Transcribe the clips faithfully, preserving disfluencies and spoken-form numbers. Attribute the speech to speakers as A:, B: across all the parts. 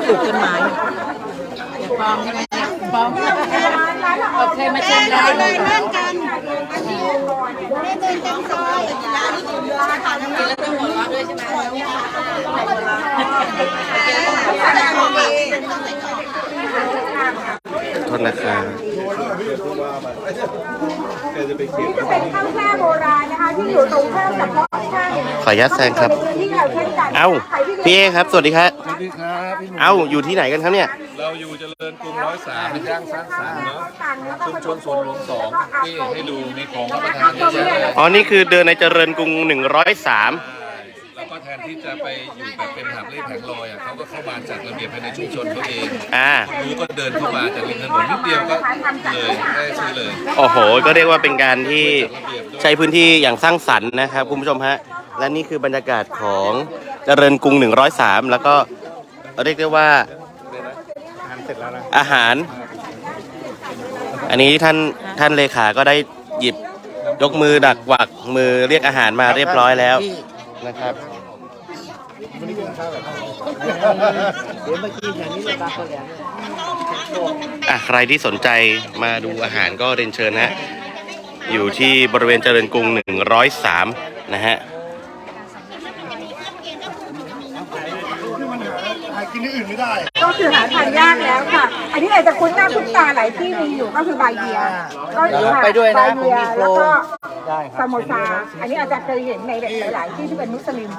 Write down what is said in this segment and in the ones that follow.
A: ปลูกต้นไม้อย่าปลอมใช่ไหมเนี่ยปลอมโอเคมาชิมแล้วเลยเล่นกันเล่นเดินกันซอยร้านนี้กินร้านอาหารแล้วต้องหัวเราะด้วยใช่ไหม
B: โทษนะครับ
C: นี่จะเป็นข้าวแช่โบราณนะคะที่อยู่ตรงข้ามกับพ่อข้าง
B: ขออนุญาตแซงครับเอ้าพี่เอครับสวัสดีครับสวัสดีครับเอ้าอยู่ที่ไหนกันครับเนี่ย
D: เราอยู่เจริญกรุงร้อยสามย่างสร้างสรรค์เนาะชุมชนสวนหลวงสองที่ให้ดูมีของรับประทานเยอะแยะ
B: อ๋อนี่คือเดินในเจริญกรุงหนึ่งร้อยสาม
D: แล้วก็แทนที่จะไปอยู่แบบเป็นหาบเล่แผงลอยอ่ะเขาก็เข้ามาจัดระเบียบภายในชุมชนเขาเอง
B: อ่า
D: รู้ก็เดินเข้ามาจากริมถนนนิดเดียวก็เลยได้ซื้อเลย
B: โอ้โหก็เรียกว่าเป็นการที่ใช้พื้นที่อย่างสร้างสรรค์นะครับคุณผู้ชมฮะและนี่คือบรรยากาศของเจริญกรุงหนึ่งร้อยสามแล้วก็เรียกได้ว่าอาหารอันนี้ท่านท่านเลขาก็ได้หยิบยกมือดักหวักมือเรียกอาหารมาเรียบร้อยแล้วนะครับอ่ะใครที่สนใจมาดูอาหารก็เรียนเชิญฮะอยู่ที่บริเวณเจริญกรุงหนึ่งร้อยสามนะฮะ
C: กินที่อื่นไม่ได้ก็คือหาทานยากแล้วค่ะอันนี้อาจจะคุ้นหน้าคุ้นตาหลายที่มีอยู่ก็คือใบเบียร์ก็
A: ไปด้วยนะ
C: ผมมีโฟแล้วก็สโมซาอันนี้อาจจะเคยเห็นในหลายๆที่ที่เป็นมุสลิม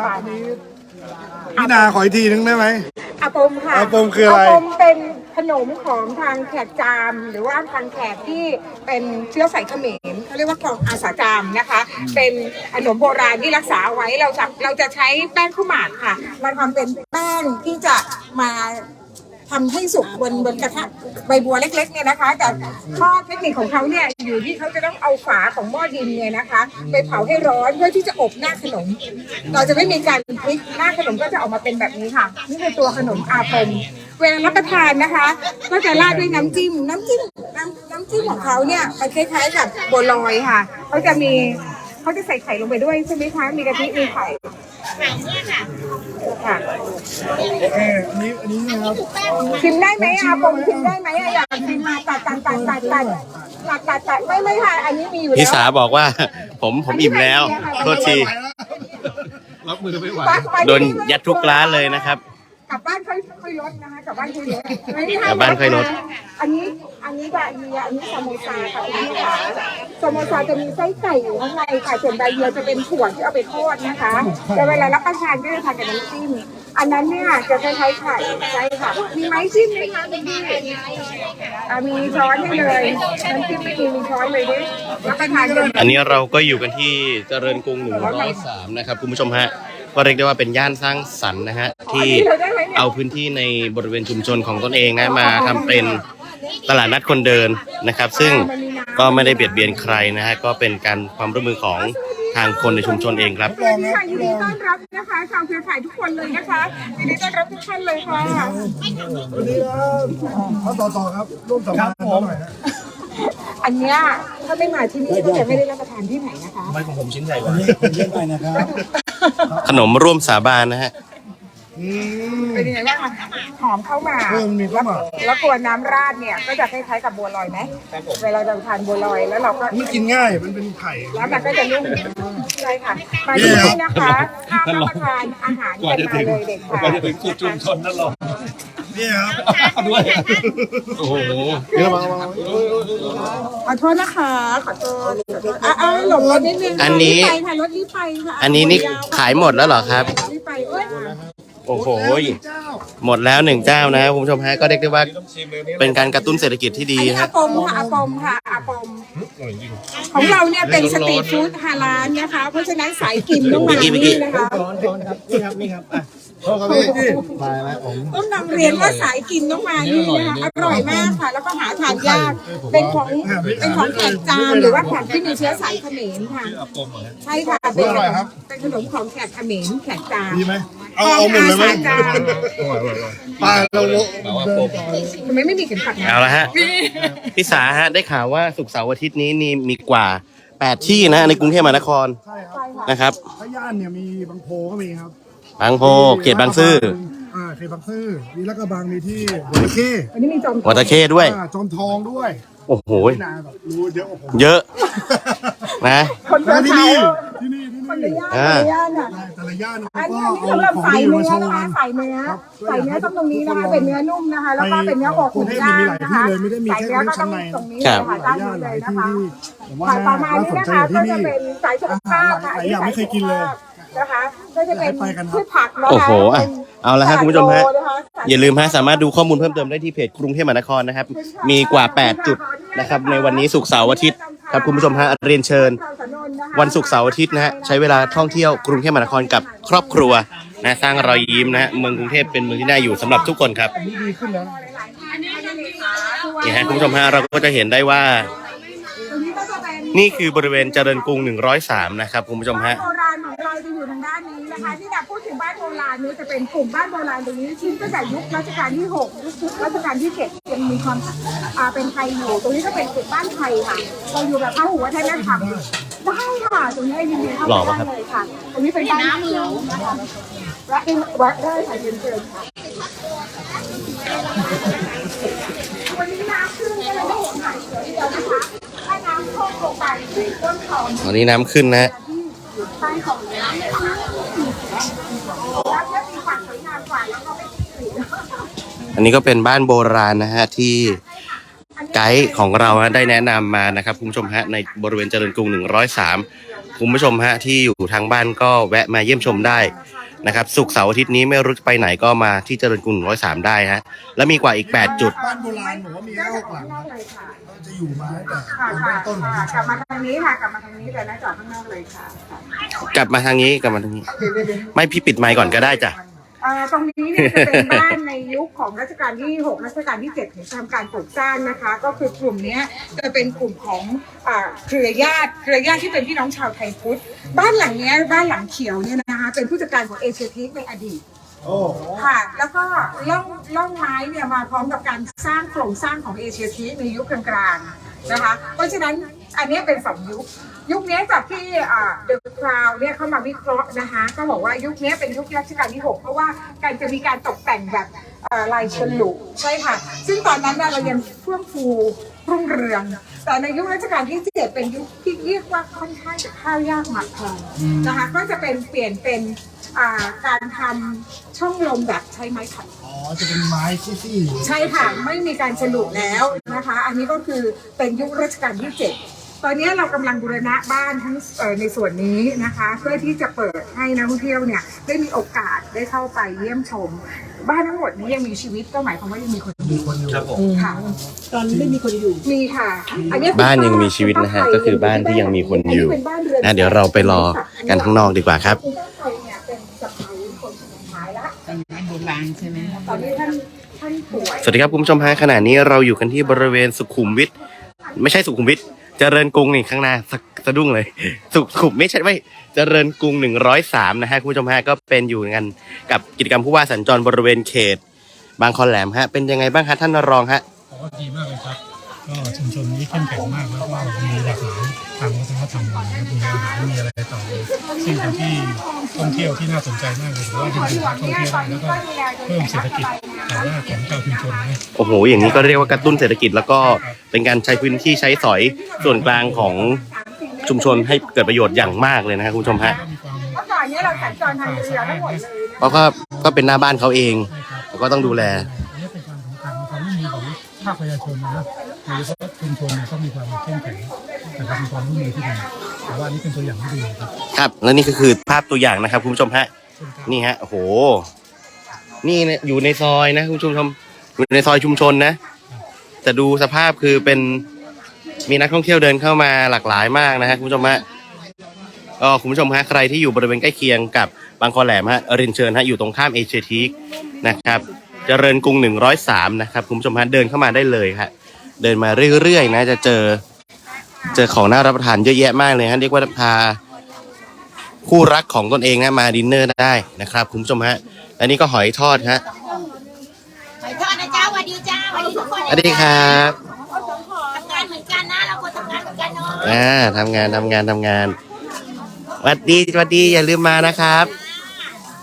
E: พี่นาขออีกทีนึงได้ไหม
C: อาปมค่ะ
E: อาปมคืออะไร
C: อาปมเป็นขนมของทางแขกจามหรือว่าทางแขกที่เป็นเชื้อสายเขมรเขาเรียกว่าของอาสาจามนะคะเป็นขนมโบราณที่รักษาไว้เราจะเราจะใช้แป้งข้าวหมากค่ะมาทำเป็นแป้งที่จะมาทำให้สุกบนบนกระทะใบบัวเล็กๆเนี่ยนะคะแต่ข้อเทคนิคของเขาเนี่ยอยู่ที่เขาจะต้องเอาฝาของหม้อดินเนี่ยนะคะไปเผาให้ร้อนเพื่อที่จะอบหน้าขนมเราจะไม่มีการพลิกหน้าขนมก็จะออกมาเป็นแบบนี้ค่ะนี่คือตัวขนมอาปมเวลารับประทานนะคะก็จะราดด้วยน้ำจิ้มน้ำจิ้มน้ำน้ำจิ้มของเขาเนี่ยมันคล้ายๆกับบัวลอยค่ะเขาจะมีเขาจะใส่ไข่ลงไปด้วยใช่ไหมคะมีกะทิมีไข่ไข่เนี่ยค่ะค่ะ
E: เอออันนี้อันนี้นะครับ
C: ชิมได้ไหมอาปมชิมได้ไหมอยากชิมมาตัดตัดตัดตัดตัดตัดตัดตัดไม่ไม่ค่ะอันนี้มีอยู่แล้ว
B: พี่สาบอกว่าผมผมอิ่มแล้วโทษที
D: รับมือไม่ไหว
B: โดนยัดทุกร้านเลยนะครับ
C: กลับบ้านค่อยค่อยลดนะคะกลับบ้านค่อยลด
B: กลับบ้านค่อยลด
C: อันนี้อันนี้บะเยียอันนี้สโมซาค่ะคุณผู้ชมสโมซาจะมีไส้ไก่อยู่ข้างในค่ะส่วนบะเยียจะเป็นถั่วที่เอาไปทอดนะคะแต่เวลารับประทานก็จะทานกับน้ำจิ้มอันนั้นเนี่ยจะคล้ายๆไข่ใช่ค่ะมีไม้จิ้มไหมคะคุณพี่มีช้อนให้เลยน้ำจิ้มไม่มีมีช้อนเลยดิรับประทานกัน
B: อันนี้เราก็อยู่กันที่เจริญกรุงหนึ่งร้อยสามนะครับคุณผู้ชมฮะก็เรียกได้ว่าเป็นย่านสร้างสรรค์นะฮะที่เอาพื้นที่ในบริเวณชุมชนของตนเองนะมาทำเป็นตลาดนัดคนเดินนะครับซึ่งก็ไม่ได้เบียดเบียนใครนะฮะก็เป็นการความร่วมมือของทางคนในชุมชนเองครับ
C: ยินดีต้อนรับนะคะชาวเครือข่ายทุกคนเลยนะคะยินดีต้อนรับทุกท่านเลยค่ะ
E: วันนี้ครับต่อต่อครับร่วมสัมภาษณ์หน่อยนะ
C: อันเนี้ยถ้าไม่มาที่นี่ก็จะไม่ได้รับประทานที่ไหนนะคะ
D: ไม่ของผมชิ้นใหญ่กว่า
E: นี้เยี่ยมไปนะครับ
B: ขนมร่วมสาบานนะฮะ
C: เป็นยังไงบ้างหอมเข้ามาแล้วตัวน้ำราดเนี่ยก็จะคล้ายๆกับบัวลอยไหมเวลาเราทานบัวลอยแล้วเราก็
E: มันกินง่ายมันเป็นไข่
C: แล้วมันก็จะนุ่มใช่ค่ะมาที่นี่นะคะถ้ารับประทานอาหาร
D: กว่าจะถึงกว่าจะถึงจุดชุมชนนั่นหรอ
E: นี่ครับ
D: ด้วยโอ้โห
E: เยอะมาก
C: ขอโทษนะคะขอโทษอ่ะหลบรถนิดนึง
B: อันนี้
C: รถรีบไปค่ะ
B: อันนี้นี่ขายหมดแล้วเหรอครับโอ้โหหมดแล้วหนึ่งเจ้านะคุณผู้ชมฮะก็เรียกได้ว่าเป็นการกระตุ้นเศรษฐกิจที่ดี
C: ฮะอาปมค่ะอาปมค่ะอาปมของเราเนี่ยเป็นสตรีทฟู้ดฮาลาลนะคะเพราะฉะนั้นสายกินต้องมาที่นี่นะคะ
E: นี่ครับนี่ครับอ่ะโทษครับพี่มาแล้วผม
C: ต้องนำเรียนว่าสายกินต้องมานี่นะคะอร่อยมากค่ะแล้วก็หาทานยากเป็นของเป็นของแขกจามหรือว่าแขกที่มีเชื้อสายเขมรค่ะใช่ค่ะเป็นเป็นขนมของแขกเขมรแขกจาม
E: ดีไหมเอาเอาหมดเลยไหมปลาเรา
C: ทำไมไม่มีเข็มขัด
B: เอาละฮะพี่สาฮะได้ข่าวว่าศุกร์เสาร์อาทิตย์นี้นี่มีกว่าแปดที่นะในกรุงเทพมหานครนะครับ
E: ถ้าย่านเนี่ยมีบางโพก็มีครับ
B: บางโพเขตบางซื่อ
E: เขตบางซื่อมีลาดกระบังมีที่หัวตะเข้
C: อันนี้มีจอม
B: วัดตะเข้ด้วย
E: อ่าจอมทองด้วย
B: โอ้โห
E: นาแบบรู้เยอะกว่าผม
B: เยอะนะ
C: คน
E: แล้ว
C: เดิน
E: ที่
C: เท้า
E: นี่ที่นี่ที่
C: คนใน
E: นี่
C: ย่านคนในย่านอ่ะ
E: แต่ละย่าน
C: อัน
E: ก็
C: นี้อันนี้
E: เอา
C: สำหรับ
E: ของ
C: ใส่
E: ดี
C: เนื้
E: มา
C: อ
E: โชว์
C: นะคะ
E: กัน
C: ใส่เนื้อใส่เนื้อต้องตรงนี้นะคะเป็นเนื้อนุ่มนะคะ แล้วก็เป็นเนื้ออกหมูย่างนะคะใส่เนื้อก็ต้องตรงนี้เลยค่ะด้านนี้เลยนะคะ
E: ผมว่า
C: ค่ะประมาณ
E: น่า
C: นี้
E: สน
C: นะ
E: ใจ
C: คะ
E: ที่
C: ก็
E: นี่
C: จะเป็นสายสุขภาพค่ะ
E: หลายอย่างไม่เคยกินเลย
C: นะคะก็จะเป็น
E: ไปกันครับ
C: พืชผักนะคะ
B: โอ้โหอ่ะเอาละฮะคุณผู้ชมฮะ
C: นค
B: อย่าลืมฮะสามารถดูข้อมูลเพิ่มเติมได้ที่เพจกรุงเทพมหานครนะครับ มีกว่า แปด จุดนะครับในวันนี้ศุกร์เสาร์อาทิตย์ครับคุณผู้ชมฮะเรียนเชิญ วันศุกร์เสาร์อาทิตย์นะฮะใช้เวลาท่องเที่ยวกรุงเทพมหานครกับครอบครัวนะสร้างรอยยิ้มนะฮะเมืองกรุงเทพเป็นเมืองที่น่าอยู่สำหรับทุกคนครับ
E: ดีขึ้นแล้ว
B: นี่ฮะคุณผู้ชมฮะเราก็จะเห็นได้ว่า นี่คือบริเวณเจริญกรุงหนึ่งร้อยสามนะครับคุณผู้ชมฮะ
C: บ้านโบราณของเราจะอยู่ทางด้านนี้นะคะที่เราพูดถึงบ้านโบราณนี้จะเป็นกลุ่มบ้านโบราณตรงนี้ชิ้นตั้งแต่ยุครัชกาลที่หกยุครัชกาลที่เจ็ดยังมีความอ่าเป็นไทยอยู่ตรงนี้ก็เป็นกลุ่มบ้านไทยค่ะเราอยู่แบบพหุวัฒนธรรมได้ค่ะตรงนี้ยินดีเข้า
B: หล่อ
C: ไป
B: ปะครับ
C: ได้เลยค่ะตรงนี้เป็นบ้านน้ำเมืองนะคะวัดได้วัดได้ค่ะเรียนเชิญค่ะวันนี้น้ำขึ้นก็เลยไม่เห็นหายเสือเดียวนะคะถ้าน้ำท่วมลงไปต้นเขา
B: ตอนนี้น้ำขึ้นนะฮะ
C: ใต้ของน้ำนะคะแล้วก็มีความสวยงามกว่าแล้วก็ไม่ติด
B: อันนี้ก็เป็นบ้านโบราณนะฮะที่ไกด์ของเราฮะได้แนะนำมานะครับคุณผู้ชมฮะในบริเวณเจริญกรุงหนึ่งร้อยสามคุณผู้ชมฮะที่อยู่ทางบ้านก็แวะมาเยี่ยมชมได้นะครับศุกร์เสาร์อาทิตย์นี้ไม่รู้จะไปไหนก็มาที่เจริญกรุงหนึ่งร้อยสามได้ฮะและมีกว่าอีกแปดจุด
E: บ้านโบราณผมว่ามีแค่หกหลังครับจะอยู่มาตั้งแต่
C: ค่ะ
E: เริ่
C: ค่ะ
E: มต้นของ
C: ค่ะ
E: ชุมช
C: กลับ
E: น
C: มาทางนี้ค่ะกลับมาทางนี้แต่นะจอดข้างนอกเลยค่ะค่ะ
B: กลับมาทางนี้กลับมาทางนี้ ไม่พี่ปิดไมค์ก่อนก็ได้จ้ะ
C: อ่าตรงนี้เนี่ยจะเป็นบ้านในยุคของรัชกาลที่หกรัชกาลที่เจ็ดถึงทำการปลูกสร้างนะคะ ก็คือกลุ่มเนี้ยจะเป็นกลุ่มของอ่าเครือญาติเครือญาติที่เป็นพี่น้องชาวไทยพุทธบ้านหลังเนี้ยบ้านหลังเขียวเนี่ยนะคะเป็นผู้จัดการของเอเชียทีคในอดีต
E: โอ้
C: ค่ะแล้วก็ล่องล่องไม้เนี่ยมาพร้อมกับการสร้างโครงสร้างของเอเชียทีคในยุคกลางๆนะคะเพราะฉะนั้นอันนี้เป็นสองยุคยุคนี้จากที่เดอะคราวเนี่ยเข้ามาวิเคราะห์นะคะก็บอกว่ายุคนี้เป็นยุครัชกาลที่หกเพราะว่าการจะมีการตกแต่งแบบเอ่อลายฉลุใช่ค่ะซึ่งตอนนั้นเนี่ยเรายังเฟื่องฟูรุ่งเรืองแต่ในยุครัชกาลที่เจ็ดเป็นยุคที่เรียกว่าค่อนข้างจะข้าวยากหมากแพงนะคะก็จะเป็นเปลี่ยนเป็นอ่าการทำช่องลมแบบใช้ไม้ขัด
E: อ๋อจะเป็นไม้ซี่
C: ใช่ค่ะไม่มีการฉลุแล้วนะคะ อันนี้ก็คือเป็นยุครัชกาลที่เจ็ดตอนนี้เรากำลังบูรณะบ้านทั้งเอ่อในส่วนนี้นะคะ เพื่อที่จะเปิดให้นักท่องเที่ยวเนี่ยได้มีโอกาสได้เข้าไปเยี่ยมชม บ้านทั้งหมดนี้ยังมีชีวิตก็หมายความว่ายังมีคนอยู่
E: ๆคนอยู่
C: ค่ะ
A: ตอนนี้ไม่มีคนอยู่
C: มีค่ะอันนี้
B: บ้านยังมีชีวิตนะฮะก็คือบ้านที่ยังมีคนอยู่นะเดี๋ยวเราไปรอกันข้างนอกดีกว่าครับ
C: คุณต้นไทรเนี่ยเป็นสะใภ้คนสุดท้ายละ
A: เป็นบ้านโบราณใช่ไหม
C: ตอนนี้ท่านท่านป่วย
B: สวัสดีครับคุณผู้ชมฮะขณะนี้เราอยู่กันที่บริเวณสุขุมวิทไม่ใช่สุขุมวิทเจริญกรุงนี่ข้างหน้าสะสะดุ้งเลย สุขุมไม่ใช่ไม่เจริญกรุงหนึ่งร้อยสามนะฮะคุณผู้ชมฮะก็เป็นอยู่กันกับกิจกรรมผู้ว่าสัญจรบริเวณเขต บางคอนแหลมฮะเป็นยังไงบ้างฮะท่านรองฮะ
F: ผมว่าดีมากเลยครับ ก็ชุมชนนี้เข้มแข็งมากแล้วก็มีหลากหลายทางวัฒนธรรมนะครับมีอาหารมีอะไรต่อเลยซึ่งเป็นที่ท่องเที่ยวที่น่าสนใจมากเลยถือว่าดึงดูดนักท่องเที่ยวได้แล้วก็เพิ่มเศรษฐกิจฐานะของเจ้าชุมชนนะ
B: โอ้โหอย่างนี้ก็เรียกว่ากระตุ้นเศรษฐกิจแล้วก็เป็นการใช้พื้นที่ใช้สอยส่วนกลางของชุมชนให้เกิดประโยชน์อย่างมากเลยนะครับคุณผู้ชมฮะ
C: เมื่อก่อนเนี้เราสัญจรทางเรือทั้งหมดเลย
B: เพราะก็ก็เป็นหน้าบ้านเขาเองแล้วก็ต้องดูแล
F: อันนี้เป็นความสำคัญความร่วมมือของภาคประชาชนนะโดยเฉพาะชุมชนเนี่ยต้องมีความเข้มแข็งนะครับมีความร่วมมือที่ดีแต่ว่าอันนี้เป็นตัวอย่างที่ดีครับ
B: ครับและนี่ก็คือภาพตัวอย่างนะครับคุณผู้ชมฮะนี่ฮะโอ้โหนี่เนี่ยอยู่ในซอยนะคุณผู้ชมอยู่ในซอยชุมชนนะแต่ดูสภาพคือเป็นมีนักท่องเที่ยวเดินเข้ามาหลากหลายมากนะฮะคุณผู้ชมฮะก็คุณผู้ชมฮะใครที่อยู่บริเวณใกล้เคียงกับบางคอแหลมฮะเรียนเชิญฮะอยู่ตรงข้ามเอเชียทีคนะครับเจริญกรุงหนึ่งร้อยสามนะครับคุณผู้ชมฮะเดินเข้ามาได้เลยฮะเดินมาเรื่อยๆนะจะเจอเจอของน่ารับประทานเยอะแยะมากเลยฮะเรียกว่าพาคู่รักของตนเองนะมาดินเนอร์ได้นะครับคุณผู้ชมฮะอันนี้ก็หอยทอดฮะ
G: หอยทอดนะเจ้าสวัสดีจ้าสวัสดีทุกคน
B: สวัสดีครับ
G: ทำงานเหมือนกันนะเราคนทำงานเหมือนกันเนาะ
B: อ่าทำงานทำงานทำงานสวัสดีสวัสดีอย่าลืมมานะครับ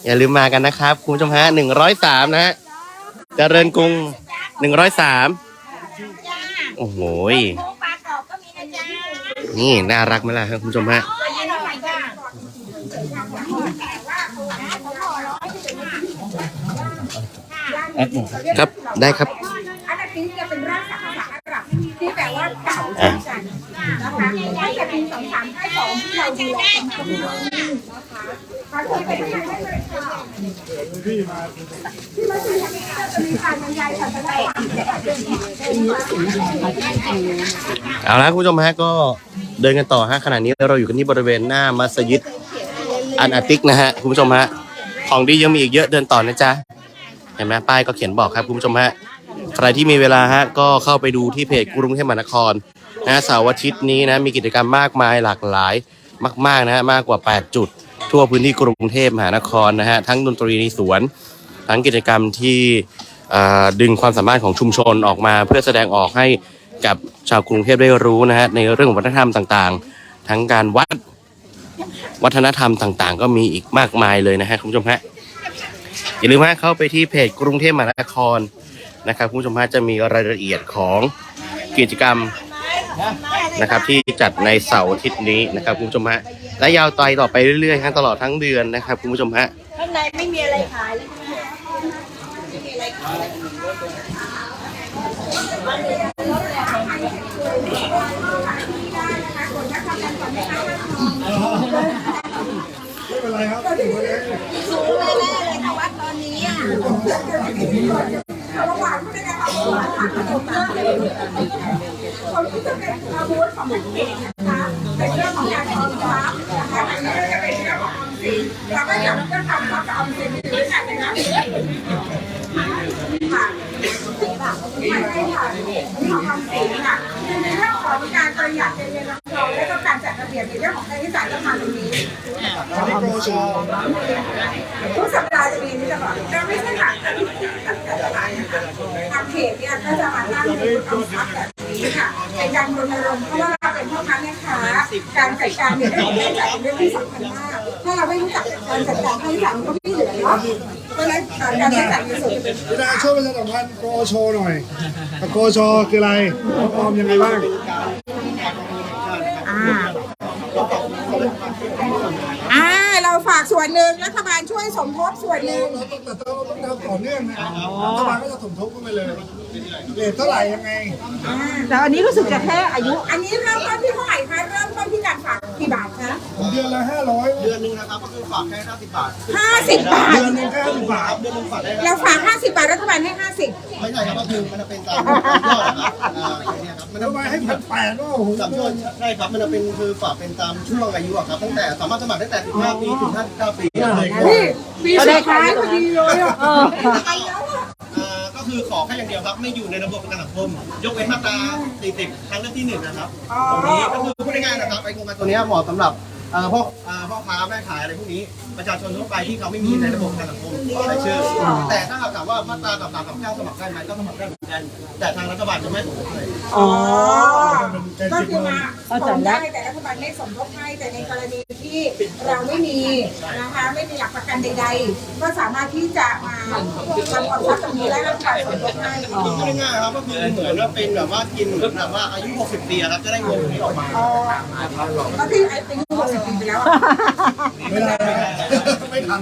B: อย่าลืมมากันนะครับคุณผู้ชมฮะหนึ่งร้อยสามนะฮะเจริญกรุงหนึ่งร้อยสามโอ้โห
G: โค้งปลากรอบก็มีนะจ๊ะ
B: นี่น่ารักไหมล่ะครับคุณผู้ชมฮะ
G: ตัวนี้อร่อยจ้ะ
B: ครับได้ครับ
C: อันนี้จะเป็นรากศัพท์ภาษาอาหรับที่แปลว่าเก่าเช่นกันนะคะตั้งแต่ปีสองสามห้าสองที่เราดูแลกันมานะคะเขาเคยเป็นใครได้เลยค่ะที่มาที่มาที่จะมีการบรรยายศาสนา
B: เอาละคุณผู้ชมฮะก็เดินกันต่อฮะขณะนี้เราอยู่กันที่บริเวณหน้ามัสยิดอันอาติกนะฮะคุณผู้ชมฮะของดียังมีอีกเยอะเดินต่อนะจ๊ะเห็นไหมป้ายก็เขียนบอกครับคุณผู้ชมฮะใครที่มีเวลาฮะก็เข้าไปดูที่เพจกรุงเทพมหานครนะเสาร์อาทิตย์นี้นะมีกิจกรรมมากมายหลากหลายมากๆนะฮะมากกว่าแปดจุดทั่วพื้นที่กรุงเทพมหานครนะฮะทั้งดนตรีในสวนทั้งกิจกรรมที่ดึงความสามารถของชุมชนออกมาเพื่อแสดงออกให้กับชาวกรุงเทพได้รู้นะฮะในเรื่องของวัฒนธรรมต่างๆทั้งการวัดวัฒนธรรมต่างๆก็มีอีกมากมายเลยนะฮะคุณผู้ชมฮะอย่าลืมฮะเข้าไปที่เพจกรุงเทพมหานครนะครับคุณผู้ชมฮะจะมีรายละเอียดของกิจกรรมนะครับที่จัดในเสาร์อาทิตย์นี้นะครับคุณผู้ชมฮะและยาวไปต่อไปเรื่อยๆฮะตลอดทั้งเดือนนะครับคุณผู้ชมฮะ
G: ข้างในไม่มีอะไรขาย
E: ไม่เป็นไรครับ
G: สูงแน่ๆเลยค่ะวัดตอนนี้อ่ะ
C: ระหว่างผู้ในการทำงานค่ะคนที่จะเป็นอาวุธของมันเองนะคะเป็นเรื่องของการออมทรัพย์นะคะอันนี้จะเป็นเรื่องของออมสินเราก็อยากจะทำกับออมสินด้วยกันนะคะค่ะไม่ใช่ค่ะของออมสินค่ะในเรื่องของการประหยัดในเงินทองและก็การจัดระเบียบในเรื่องของค่าใช้จ่ายต้องมาตรงนี้ทุกสัปดาห์จะมีนี่ตลอดเราไม่ใช่ค่ะทางเขตเนี่ยก็จะมาตั้งบูธออมทรัพย์แบบนี้ค่ะเป็นการรณรงค์เพราะว่าเราเป็นพ่อค้าแม่ค้าการจัดการเนี่ยเรื่องของค่าใช้จ่ายเป็นเรื่องที่สำคัญมากถ้าเราไม่รู้จักการจัดการค่าใช้จ่ายมันก็ไม่เหลือเนาะเพราะฉะนั้นการใช้จ่ายเงินสดเป็น
E: พี่ดาช่วยประชาสัมพันธ์โกโชหน่อยโกโชคืออะไรออมยังไงบ้าง
C: อ่าเราฝากส่วนหนึ่งรัฐบาลช่วยสมทบส่วนหนึ่ง
E: เราต้องแต่เราต้องทำต่อเนื่องนะรัฐบาลก็จะสมทบเข้าไปเลยเรทเท่าไหร่ยังไง
C: แต่อันนี้รู้สึกจะแค่อายุ อันนี้เริ่มต้นที่เท่าไหร่คะเริ่มต้นที่การฝากกี่บาทคะ
E: เดือนละห้าร้อย
H: เดือนหนึ่งนะครับก็คือฝากแค่ห้าสิบบาท
C: ห้าสิบบาท
E: เดือนหนึงแค่ห้าสิบบาท
H: เดือนหนึ่งฝากได้
C: เราฝากห้าสิบบาทรัฐบาลให้ห้าสิบ
H: ไม่ใช่ครับก็คือมันจะเป็นตามยอดนะครับอ่าอย่างเงี้ยครับมันจะ
E: ทำไมให้พันแปดว่าโอ้โห
H: ตามยอดใช่ครับมันจะเป็นคือฝากเป็นตามช่วงอายุอะครับตั้งแต่สามารถสมัครได้แต่สิบห้าปีถึงห้าสิบเก้าปีเลย
C: นี่ปีสุดท้ายพอดีเลยอ่ะ
H: อ่าก็คือขอแค่อย่างเดียวครับไม่อยู่ในระบบประกันสังคมยกเว้นมาตราสี่สิบทางเลือกที่หนึ่งนะครับตรงนี้ก็คือพูดง่ายๆนะครับไอ้โครงการตัวเนี้ยเหมาะสำหรับเอ่อพวกเอ่อพ่อค้าแม่ขายอะไรพวกนี้ประชาชนทั่วไปที่เขาไม่มีในระบบประกันสังคมรายชื่อแต่ถ้าหากถามว่ามาตรากับสามกับเก้าสมัครได้ไหมก็สมัครได้เหมือนกันแต่ทางรัฐบาลจะไม่สมทบให้
C: อ๋อก็คือมาสมได้แต่รัฐบาลไม่สมทบให้แต่ในกรณีที่เราไม่มีนะคะไม่มีหลักประกันใดๆก็สามารถที่จะมาทำความทรัพย์ตรงนี้และรัฐบาลสมทบให้
H: พูดง่ายๆครับก็คือเหมือนว่าเป็นแบบว่ากินเหมือนแบบว่าอายุหกสิบปีครับจะได้เงินนี้ออกมา
C: อ๋อก็ที่ไอ้เป็นหกสิบปีไปแล้ว
E: ไม่ได้ไม่ทัน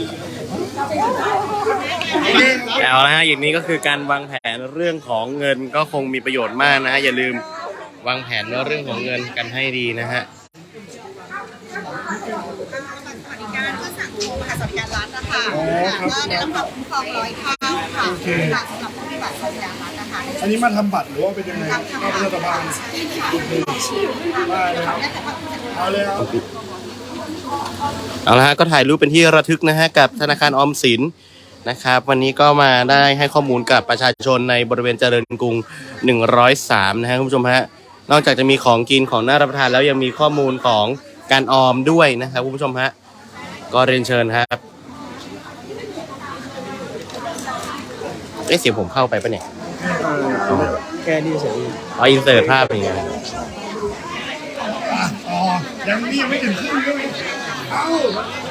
B: เอาละฮะอย่างนี้ก็คือการวางแผนเรื่องของเงินก็คงมีประโยชน์มากนะฮะอย่าลืมวางแผนเรื่องของเงินกันให้ดีนะฮะ
G: สวัสดิการก็สั่งโทรมาหาสวัสดิการรัฐนะคะก็ได้รับความคุ้มครองร้อยเท่าค่ะค่ะสำหรับผู้ที่บัตรสวัสดิการรัฐนะคะ
E: อันนี้มาทำบัตรหรือว่าเป็นยังไงเข้ารัฐบาลได้เลยครับเอาเลยครับ
B: เอาละฮะก็ถ่ายรูปเป็นที่ระทึกนะฮะกับธนาคารออมสินนะครับวันนี้ก็มาได้ให้ข้อมูลกับประชาชนในบริเวณเจริญกรุงหนึ่งร้อยสามนะฮะคุณผู้ชมฮะนอกจากจะมีของกินของน่ารับประทานแล้วยังมีข้อมูลของการออมด้วยนะครับคุณผู้ชมฮะก็เรียนเชิญครับเอ๊ะเสียงผมเข้าไปปะเนี่ย
E: แค่นี้เฉย
B: เอาอินเสิร์ตภาพอย่างเงี้ย
E: อ๋อยังนี่ยังไม่ถึงครึ่งเลยเอ้า